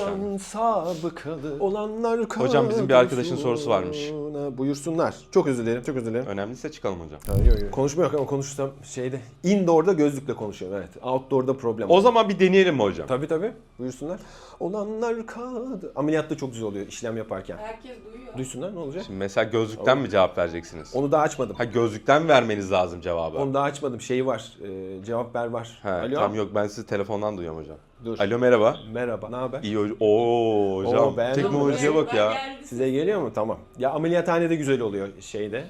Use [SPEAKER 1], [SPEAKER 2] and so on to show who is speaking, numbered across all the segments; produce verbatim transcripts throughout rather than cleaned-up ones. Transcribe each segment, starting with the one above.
[SPEAKER 1] Can sabıkalı olanlar
[SPEAKER 2] Hocam bizim bir arkadaşın sorusu varmış.
[SPEAKER 1] Buyursunlar. Çok özür dilerim, çok özür dilerim.
[SPEAKER 2] Önemliyse çıkalım hocam.
[SPEAKER 1] Ha, yok, yok. Konuşma yok ama konuşsam şeyde. Indoor'da gözlükle konuşuyorum, evet. Outdoor'da problem.
[SPEAKER 2] O zaman bir deneyelim mi hocam?
[SPEAKER 1] Tabii tabii. Buyursunlar. Olanlar kaldı. Ameliyatta çok güzel oluyor işlem yaparken.
[SPEAKER 3] Herkes duyuyor.
[SPEAKER 1] Duysunlar, ne olacak?
[SPEAKER 2] Şimdi mesela gözlükten mi cevap vereceksiniz?
[SPEAKER 1] Onu daha açmadım.
[SPEAKER 2] Ha gözlükten vermeniz lazım cevabı.
[SPEAKER 1] Onu daha açmadım. Şey var. E, cevap ver var.
[SPEAKER 2] He,
[SPEAKER 1] Alo.
[SPEAKER 2] tam yok ben sizi telefondan duyuyorum hocam.
[SPEAKER 1] Dur.
[SPEAKER 2] Alo merhaba.
[SPEAKER 1] Merhaba. Ne haber?
[SPEAKER 2] İyi hocam. Oo hocam.
[SPEAKER 1] Oo, beğendin mi?
[SPEAKER 2] Teknolojiye bak ya.
[SPEAKER 1] Size geliyor mu? Tamam. Ya ameliyathanede güzel oluyor şeyde.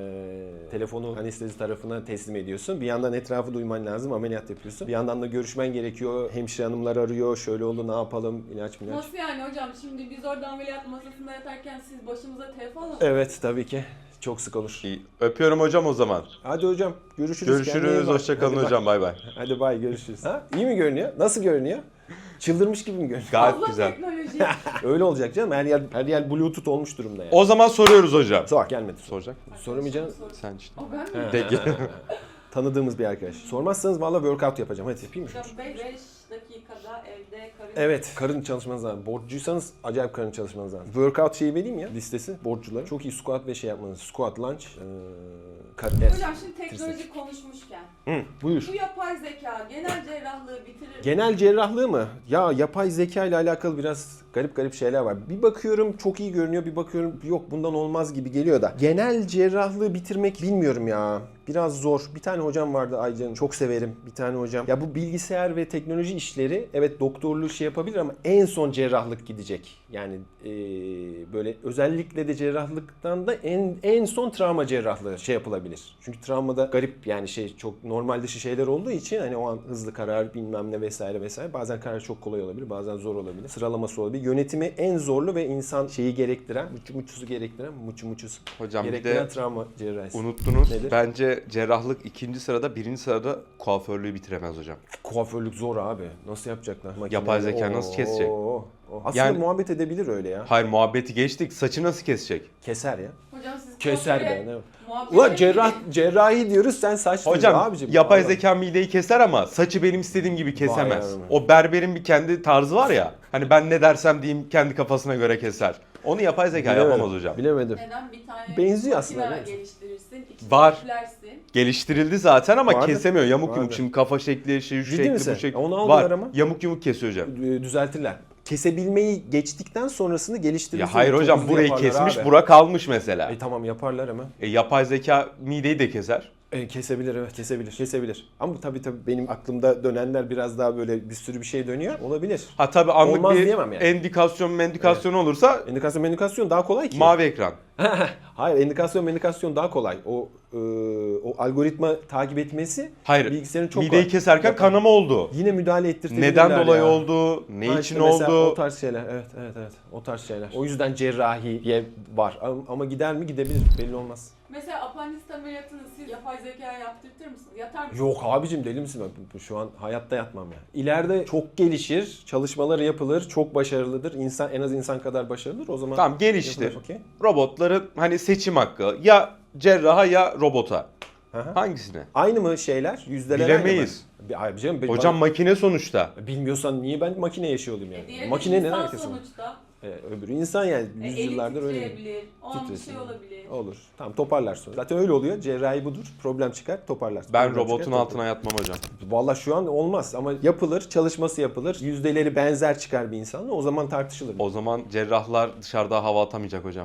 [SPEAKER 1] E, telefonu anestezi tarafına teslim ediyorsun. Bir yandan etrafı duyman lazım. Ameliyat yapıyorsun. Bir yandan da görüşmen gerekiyor. Hemşire hanımlar arıyor. Şöyle oldu, ne yapalım? İlaç mı ilaç?
[SPEAKER 3] Nasıl yani hocam? Şimdi biz orada ameliyat masasında yatarken siz başımıza telefon alın.
[SPEAKER 1] Evet tabii ki. Çok sık olur.
[SPEAKER 2] İyi. Öpüyorum hocam o zaman.
[SPEAKER 1] Hadi hocam. Görüşürüz. Kendine iyi
[SPEAKER 2] Görüşürüz.
[SPEAKER 1] bak.
[SPEAKER 2] Hoşçakalın
[SPEAKER 1] Hadi
[SPEAKER 2] hocam. Bay bay.
[SPEAKER 1] Hadi bay, görüşürüz. Ha? İyi mi görünüyor? Nasıl görünüyor? Çıldırmış gibi mi görünüyor?
[SPEAKER 2] Gayet
[SPEAKER 3] Allah
[SPEAKER 2] güzel.
[SPEAKER 3] teknoloji.
[SPEAKER 1] Öyle olacak canım. Her yer, her yer bluetooth olmuş durumda yani.
[SPEAKER 2] O zaman soruyoruz hocam.
[SPEAKER 1] Sor, gelmedi.
[SPEAKER 2] Soracak mı?
[SPEAKER 1] Soramayacağım.
[SPEAKER 2] Sen işte.
[SPEAKER 3] O ben mi?
[SPEAKER 2] Peki.
[SPEAKER 1] Tanıdığımız bir arkadaş. Sormazsanız valla workout yapacağım. Hadi yapayım mı?
[SPEAKER 3] Hocam beş dakikada evde karın.
[SPEAKER 1] Evet, karın çalışmanız lazım. Borçluysanız acayip karın çalışmanız lazım. Workout şeyi vereyim ya, listesi borçluları. Çok iyi squat ve şey yapmanız. Squat, lunge, ee, karın. Evet.
[SPEAKER 3] Hocam şimdi teknoloji konuşmuşken.
[SPEAKER 1] Hı, buyur.
[SPEAKER 3] Bu yapay zeka genel cerrahlığı bitirir mi?
[SPEAKER 1] Genel cerrahlığı mı? Ya yapay zeka ile alakalı biraz garip garip şeyler var. Bir bakıyorum çok iyi görünüyor, bir bakıyorum yok bundan olmaz gibi geliyor da. Genel cerrahlığı bitirmek bilmiyorum ya. Biraz zor. Bir tane hocam vardı Aycan, çok severim. Bir tane hocam. Ya bu bilgisayar ve teknoloji işleri evet doktorluğu şey yapabilir ama en son cerrahlık gidecek. Yani ee, böyle özellikle de cerrahlıktan da en en son travma cerrahlığı şey yapılabilir. Çünkü travmada garip yani şey çok normal dışı şeyler olduğu için hani o an hızlı karar bilmem ne vesaire vesaire. Bazen karar çok kolay olabilir, bazen zor olabilir. Sıralaması olabilir. Yönetimi en zorlu ve insan şeyi gerektiren, muçu muçusu gerektiren, muçu muçusu
[SPEAKER 2] Hocam bir
[SPEAKER 1] gerektiren
[SPEAKER 2] de
[SPEAKER 1] travma cerrahisi.
[SPEAKER 2] unuttunuz.
[SPEAKER 1] Nedir?
[SPEAKER 2] Bence cerrahlık ikinci sırada, birinci sırada kuaförlüğü bitiremez hocam.
[SPEAKER 1] Kuaförlük zor abi. Nasıl yapacaklar? Makineyle.
[SPEAKER 2] Yapay zeka nasıl kesecek?
[SPEAKER 1] Oo, oo. Aslında
[SPEAKER 2] Yani-
[SPEAKER 1] muhabbet edebilir öyle ya.
[SPEAKER 2] Hayır muhabbeti geçtik. Saçı nasıl kesecek?
[SPEAKER 1] Keser ya.
[SPEAKER 3] Hocam siz
[SPEAKER 1] Keser
[SPEAKER 3] kuaföre
[SPEAKER 1] be. Ne?
[SPEAKER 3] muhabbet
[SPEAKER 1] Ulan
[SPEAKER 3] edin.
[SPEAKER 1] cerrah, cerrahi diyoruz sen saç
[SPEAKER 2] Hocam
[SPEAKER 1] diyorsun abicim.
[SPEAKER 2] yapay
[SPEAKER 1] Allah.
[SPEAKER 2] zeka mideyi keser ama saçı benim istediğim gibi kesemez.
[SPEAKER 1] yavrum.
[SPEAKER 2] O berberin bir kendi tarzı var ya. Hani ben ne dersem diyeyim kendi kafasına göre keser. Onu yapay zeka
[SPEAKER 1] Bilemedim,
[SPEAKER 2] yapamaz hocam.
[SPEAKER 1] Bilemedim.
[SPEAKER 3] Neden bir tane
[SPEAKER 1] Benziyor
[SPEAKER 3] makine
[SPEAKER 1] aslında, biliyor musun?
[SPEAKER 3] geliştirirsin, ikisini
[SPEAKER 2] Var.
[SPEAKER 3] üflersin.
[SPEAKER 2] Geliştirildi zaten ama
[SPEAKER 1] Vardı.
[SPEAKER 2] kesemiyor. Yamuk
[SPEAKER 1] Vardı.
[SPEAKER 2] yumuk şimdi kafa şekli, şey, şu
[SPEAKER 1] Ciddi
[SPEAKER 2] şekli,
[SPEAKER 1] misin?
[SPEAKER 2] bu şekli.
[SPEAKER 1] Onu aldılar
[SPEAKER 2] Var.
[SPEAKER 1] ama.
[SPEAKER 2] Yamuk yumuk kesiyor hocam.
[SPEAKER 1] Ee, Düzeltirler. Kesebilmeyi geçtikten sonrasını geliştirirsin.
[SPEAKER 2] Ya hayır
[SPEAKER 1] Çok
[SPEAKER 2] hocam
[SPEAKER 1] hızlı
[SPEAKER 2] burayı
[SPEAKER 1] yaparlar
[SPEAKER 2] kesmiş,
[SPEAKER 1] abi.
[SPEAKER 2] bura kalmış mesela.
[SPEAKER 1] E tamam yaparlar ama.
[SPEAKER 2] E, yapay zeka mideyi de keser.
[SPEAKER 1] E, kesebilir evet kesebilir. Kesebilir. Ama tabii tabii benim aklımda dönenler biraz daha böyle bir sürü bir şey dönüyor. Olabilir.
[SPEAKER 2] Ha tabii anlık
[SPEAKER 1] Olmaz
[SPEAKER 2] bir
[SPEAKER 1] diyemem yani.
[SPEAKER 2] endikasyon mendikasyon olursa
[SPEAKER 1] Endikasyon mendikasyon daha kolay ki.
[SPEAKER 2] mavi ekran.
[SPEAKER 1] Hayır endikasyon mendikasyon daha kolay. O e, o algoritma takip etmesi
[SPEAKER 2] Hayır.
[SPEAKER 1] bilgisayarın çok
[SPEAKER 2] Mideyi
[SPEAKER 1] kolay.
[SPEAKER 2] keserken
[SPEAKER 1] Yapar.
[SPEAKER 2] kanama oldu.
[SPEAKER 1] Yine müdahale ettirtebilirler
[SPEAKER 2] Neden dolayı
[SPEAKER 1] ya.
[SPEAKER 2] oldu? Ne
[SPEAKER 1] Ha
[SPEAKER 2] için
[SPEAKER 1] işte mesela
[SPEAKER 2] oldu?
[SPEAKER 1] O tarz şeyler. Evet evet evet. O tarz şeyler. O yüzden cerrahiye var. Ama- Ama gider mi? Gidebilir. Belli olmaz.
[SPEAKER 3] Mesela apandisit ameliyatını siz yapay zekaya yaptırtır mısınız? Yatar mısınız?
[SPEAKER 1] Yok abicim deli misin? Ben Şu an hayatta yatmam ya. İleride çok gelişir, çalışmaları yapılır, çok başarılıdır. İnsan en az insan kadar başarılıdır. O zaman
[SPEAKER 2] Tamam geliştir.
[SPEAKER 1] yapılır, okey.
[SPEAKER 2] Robotların hani seçim hakkı ya cerraha ya robota.
[SPEAKER 1] Hı hı.
[SPEAKER 2] Hangisine?
[SPEAKER 1] Aynı mı şeyler? Yüzdeler aynı mı?
[SPEAKER 2] Bilemeyiz.
[SPEAKER 1] Bir- Abi canım,
[SPEAKER 2] Hocam
[SPEAKER 1] bana-
[SPEAKER 2] makine sonuçta.
[SPEAKER 1] bilmiyorsan niye ben makine yaşıyor olayım
[SPEAKER 3] E,
[SPEAKER 1] yani?
[SPEAKER 3] diğeri
[SPEAKER 1] Makine
[SPEAKER 3] de
[SPEAKER 1] ne
[SPEAKER 3] insan
[SPEAKER 1] alakası var?
[SPEAKER 3] sonuçta.
[SPEAKER 1] Ee, öbürü insan yani
[SPEAKER 3] E, eli
[SPEAKER 1] yüzyıllardır öyle.
[SPEAKER 3] titreyebilir, o an bir
[SPEAKER 1] Titresin.
[SPEAKER 3] şey olabilir.
[SPEAKER 1] Olur. Tamam toparlar sonra. Zaten öyle oluyor. Cerrahi budur. Problem çıkar, toparlar.
[SPEAKER 2] Ben
[SPEAKER 1] Problem
[SPEAKER 2] robotun
[SPEAKER 1] çıkar,
[SPEAKER 2] altına yatmam hocam.
[SPEAKER 1] toparlar. Vallahi şu an olmaz ama yapılır, çalışması yapılır. Yüzdeleri benzer çıkar bir insanla. O zaman tartışılır.
[SPEAKER 2] O zaman cerrahlar dışarıda hava atamayacak hocam.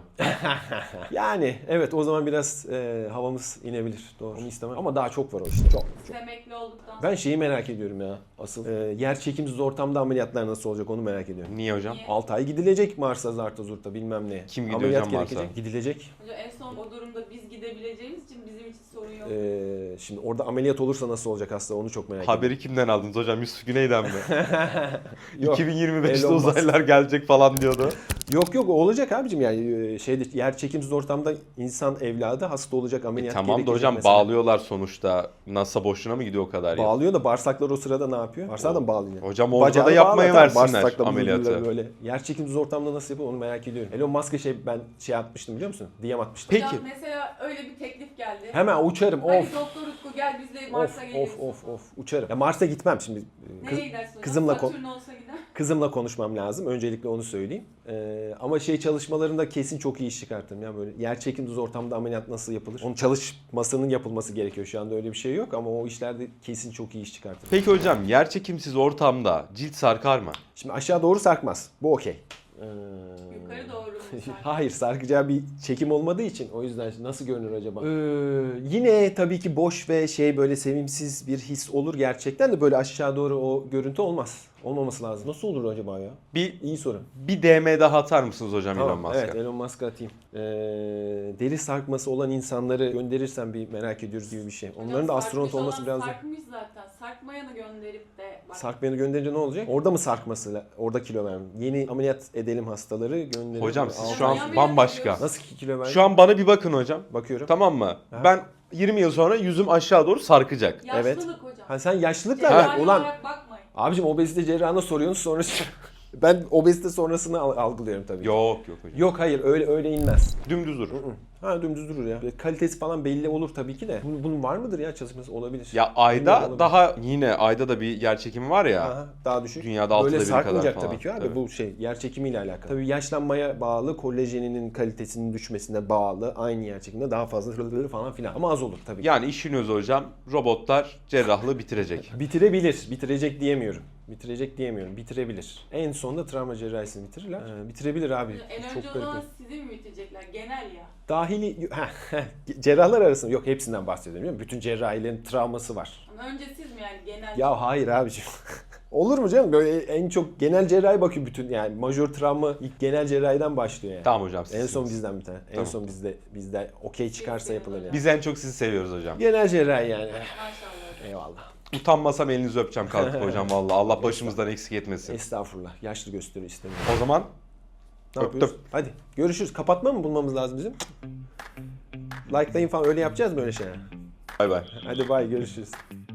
[SPEAKER 1] Yani evet o zaman biraz e, havamız inebilir. Doğru. Onu istemem. Ama daha çok var o işte. Çok.
[SPEAKER 3] Siz emekli olduktan
[SPEAKER 1] Ben şeyi merak ediyorum ya. Asıl e, yer çekimsiz ortamda ameliyatlar nasıl olacak onu merak ediyorum.
[SPEAKER 2] Niye hocam?
[SPEAKER 3] Niye?
[SPEAKER 1] altı ay gidilecek Mars'a, Zart'a, Zurt'a bilmem ne.
[SPEAKER 2] Kim gidiyor
[SPEAKER 1] Ameliyat
[SPEAKER 2] hocam Mars'a?
[SPEAKER 1] gerekecek. Gidilecek.
[SPEAKER 3] Hocam en son o durumda biz gidebileceğimiz için bizim için sorun yok.
[SPEAKER 1] Ee, şimdi orada ameliyat olursa nasıl olacak hasta onu çok merak ediyorum.
[SPEAKER 2] Haberi kimden aldınız hocam? Yusuf Güney'den mi?
[SPEAKER 1] Yok.
[SPEAKER 2] iki bin yirmi beşte
[SPEAKER 1] Elon Musk.
[SPEAKER 2] uzaylılar gelecek falan diyordu.
[SPEAKER 1] Yok yok o olacak abicim yani e, şeyde yer çekimsiz ortamda insan evladı hasta olacak
[SPEAKER 2] E
[SPEAKER 1] ameliyat
[SPEAKER 2] tamam da
[SPEAKER 1] gerekecek
[SPEAKER 2] hocam
[SPEAKER 1] mesela.
[SPEAKER 2] bağlıyorlar sonuçta. NASA boşuna mı gidiyor o kadar ya?
[SPEAKER 1] Bağlıyor da bağırsaklar o sırada ne yapıyor? Bağırsağı da mı bağlıyor?
[SPEAKER 2] Hocam orada
[SPEAKER 1] Bacağı
[SPEAKER 2] da yapmaya
[SPEAKER 1] bağlar,
[SPEAKER 2] versinler
[SPEAKER 1] bağırsakla böyle-
[SPEAKER 2] ameliyatı.
[SPEAKER 1] Böyle. Yer çekimsiz ortamda nasıl yapıyor onu merak ediyorum. Elon Musk'a şey ben şey atmıştım biliyor musun? D M atmıştım.
[SPEAKER 2] Peki.
[SPEAKER 3] Hocam mesela öyle bir teklif geldi.
[SPEAKER 1] Hemen uçarım.
[SPEAKER 3] Hadi
[SPEAKER 1] Of.
[SPEAKER 3] Doktor Utku gel biz de
[SPEAKER 1] Of
[SPEAKER 3] Mars'a
[SPEAKER 1] of
[SPEAKER 3] geliyoruz.
[SPEAKER 1] of of uçarım. Ya Mars'a gitmem şimdi. Kız-
[SPEAKER 3] Nereye gidersin hocam?
[SPEAKER 1] kızımla kon-
[SPEAKER 3] Satürn olsa gider.
[SPEAKER 1] Kızımla konuşmam lazım. Öncelikle onu söyleyeyim. Ee, ama şey çalışmalarında kesin çok iyi iş çıkartırım. Ya böyle yer çekimsiz ortamda ameliyat nasıl yapılır? Onun çalışmasının yapılması gerekiyor. Şu anda öyle bir şey yok ama o işlerde kesin çok iyi iş çıkartırım.
[SPEAKER 2] Peki hocam yerçekimsiz ortamda cilt sarkar mı?
[SPEAKER 1] Şimdi aşağı doğru sarkmaz. Bu okey. Ee,
[SPEAKER 3] Yukarı doğru mu sarkar?
[SPEAKER 1] Hayır, sarkacağı bir çekim olmadığı için o yüzden nasıl görünür acaba? Ee, yine tabii ki boş ve şey böyle sevimsiz bir his olur gerçekten de böyle aşağı doğru o görüntü olmaz. Olmaması lazım. Nasıl olur acaba ya?
[SPEAKER 2] Bir
[SPEAKER 1] İyi soru.
[SPEAKER 2] bir D M daha atar mısınız hocam Elon
[SPEAKER 1] Tamam,
[SPEAKER 2] Musk'a?
[SPEAKER 1] evet Elon Musk'a atayım. Ee, deri sarkması olan insanları gönderirsen bir merak ediyoruz gibi bir şey. Onların da
[SPEAKER 3] Hocam,
[SPEAKER 1] astronot
[SPEAKER 3] sarkmış
[SPEAKER 1] olması
[SPEAKER 3] olan
[SPEAKER 1] biraz da...
[SPEAKER 3] Sarkmış zaten. Sarkmayanı gönderip de bak.
[SPEAKER 1] Sarkmayanı gönderince ne olacak? Orada mı sarkması? Orada kilo verme. Yeni ameliyat edelim hastaları gönderelim.
[SPEAKER 2] Hocam siz
[SPEAKER 1] Al-
[SPEAKER 2] şu an
[SPEAKER 3] Ameliyat
[SPEAKER 2] bambaşka.
[SPEAKER 3] ediyoruz.
[SPEAKER 1] Nasıl ki kilo verme?
[SPEAKER 2] Şu an bana bir bakın hocam.
[SPEAKER 1] Bakıyorum.
[SPEAKER 2] Tamam mı?
[SPEAKER 1] Ha.
[SPEAKER 2] Ben yirmi yıl sonra yüzüm aşağı doğru sarkacak.
[SPEAKER 1] Evet.
[SPEAKER 3] Yaşlılık hocam.
[SPEAKER 1] Ha sen yaşlılıkla
[SPEAKER 3] Cerrahi
[SPEAKER 1] ver. Ulan
[SPEAKER 3] olarak bakmayın.
[SPEAKER 1] abicim obezite cerrahına soruyorsunuz sonra ben obezite sonrasını al- algılıyorum tabii.
[SPEAKER 2] Yok yok hocam.
[SPEAKER 1] Yok hayır öyle öyle inmez.
[SPEAKER 2] Dümdüz durur.
[SPEAKER 1] Ha dümdüz durur ya. Böyle kalitesi falan belli olur tabii ki de. Bunun, bunun var mıdır ya çalışması? Olabilir.
[SPEAKER 2] Ya
[SPEAKER 1] Bilmiyorum,
[SPEAKER 2] ayda
[SPEAKER 1] olabilir.
[SPEAKER 2] daha yine ayda da bir yer çekimi var ya.
[SPEAKER 1] Aha, daha düşük.
[SPEAKER 2] Dünyada altıda
[SPEAKER 1] Böyle
[SPEAKER 2] biri kadar
[SPEAKER 1] sarkmayacak
[SPEAKER 2] falan.
[SPEAKER 1] tabii ki abi.
[SPEAKER 2] Tabii.
[SPEAKER 1] Bu şey yer çekimiyle alakalı. Tabii yaşlanmaya bağlı, kolajeninin kalitesinin düşmesine bağlı. Aynı yer çekiminde daha fazla hırlıları falan filan. Ama az olur tabii ki.
[SPEAKER 2] Yani işin özü hocam robotlar cerrahlığı bitirecek.
[SPEAKER 1] Bitirebilir. Bitirecek diyemiyorum. Bitirecek diyemiyorum. Bitirebilir. En sonunda travma cerrahisini bitirirler. Ee, bitirebilir abi.
[SPEAKER 3] En önce
[SPEAKER 1] Çok
[SPEAKER 3] o
[SPEAKER 1] garip.
[SPEAKER 3] zaman sizi mi bitirecekler? Genel ya.
[SPEAKER 1] Dahili Heh, cerrahlar arasında yok hepsinden bahsediyorum. Değil mi? Bütün cerrahilerin travması var.
[SPEAKER 3] Ama önce siz mi yani genel?
[SPEAKER 1] Ya hayır abiciğim. Olur mu canım? Böyle en çok genel cerrahi bakıyor bütün yani majör travma ilk genel cerrahiden başlıyor yani.
[SPEAKER 2] Tamam hocam siz.
[SPEAKER 1] En son bizden bir tane. En
[SPEAKER 2] Tamam.
[SPEAKER 1] son bizde bizde okey çıkarsa
[SPEAKER 3] Kesin
[SPEAKER 1] yapılır yani.
[SPEAKER 2] Biz en çok sizi seviyoruz hocam.
[SPEAKER 1] Genel cerrahi yani.
[SPEAKER 3] Maşallah.
[SPEAKER 1] Eyvallah.
[SPEAKER 2] Utanmasam elinizi öpeceğim kalkıp hocam vallahi. Allah başımızdan eksik etmesin.
[SPEAKER 1] Estağfurullah. Yaşlı gösteriyor istemiyorum.
[SPEAKER 2] O zaman
[SPEAKER 1] Ne
[SPEAKER 2] Öptüm.
[SPEAKER 1] yapıyoruz? Hadi görüşürüz. Kapatma mı bulmamız lazım bizim? Like'layın falan öyle yapacağız mı öyle şeyler?
[SPEAKER 2] bay bay.
[SPEAKER 1] Hadi bay görüşürüz.